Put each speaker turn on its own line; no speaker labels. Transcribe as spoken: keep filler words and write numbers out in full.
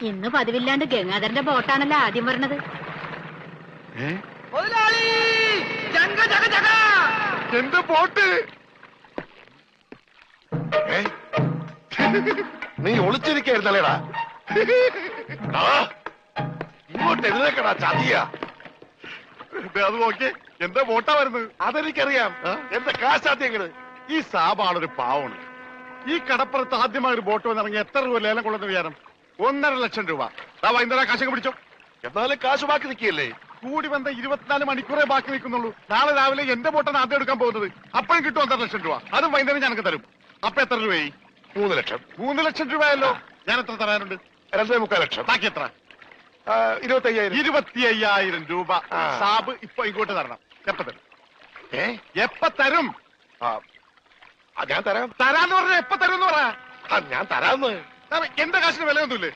ഇന്ന് പതിവില്ലാണ്ട് ഗംഗാധരന്റെ ബോട്ടാണല്ലോ ആദ്യം പറഞ്ഞത്.
എന്റെ ബോട്ട് നീ ഒളിച്ചിരിക്കായിരുന്നല്ലേടാ? ഇങ്ങോട്ട് എഴുന്നേക്കടാ ചതിയാ. അത് നോക്കി എന്താ ബോട്ടാ വരുന്നത്? അതെനിക്കറിയാം. എന്താ കാശാദ്യങ്ങള്? ഈ സാബാണൊരു പാവണ്. ഈ കടപ്പുറത്ത് ആദ്യമായ ഒരു ബോട്ട് വന്നിറങ്ങി എത്ര രൂപ ലേലം കൊള്ളുന്ന വിചാരം? ഒന്നര ലക്ഷം രൂപ. വൈകുന്നേരം കാശൊക്കെ പിടിച്ചോ. എന്നാലും കാശ് ബാക്കി നിൽക്കിയല്ലേ? കൂടി വന്ന ഇരുപത്തിനാല് മണിക്കൂറേ ബാക്കി നിൽക്കുന്നുള്ളൂ. നാളെ രാവിലെ എന്റെ ബോട്ടാണ് ആദ്യം എടുക്കാൻ പോകുന്നത്. അപ്പോഴും കിട്ടും ഒന്നര ലക്ഷം രൂപ. അതും വൈകുന്നേരം ഞങ്ങൾക്ക് തരും. അപ്പൊ എത്ര രൂപയായി? മൂന്ന് ലക്ഷം. മൂന്ന് ലക്ഷം രൂപയല്ലോ. ഞാൻ എത്ര തരാനുണ്ട്? രണ്ടേ മുക്കാൽ ലക്ഷം. ബാക്കി എത്ര? ഇരുപത്തി അയ്യായിരം. ഇരുപത്തി അയ്യായിരം രൂപ സാബ് ഇപ്പൊ ഇങ്ങോട്ട് തരണം. എപ്പ തരും? ഏ എപ്പ തരും? ഞാൻ തരാം. തരാന്ന് പറഞ്ഞ എപ്പ തരും എന്ന് പറ. ഞാൻ തരാന്ന്. എന്റെ കാശിന് വിലയൊന്നുമില്ലേ?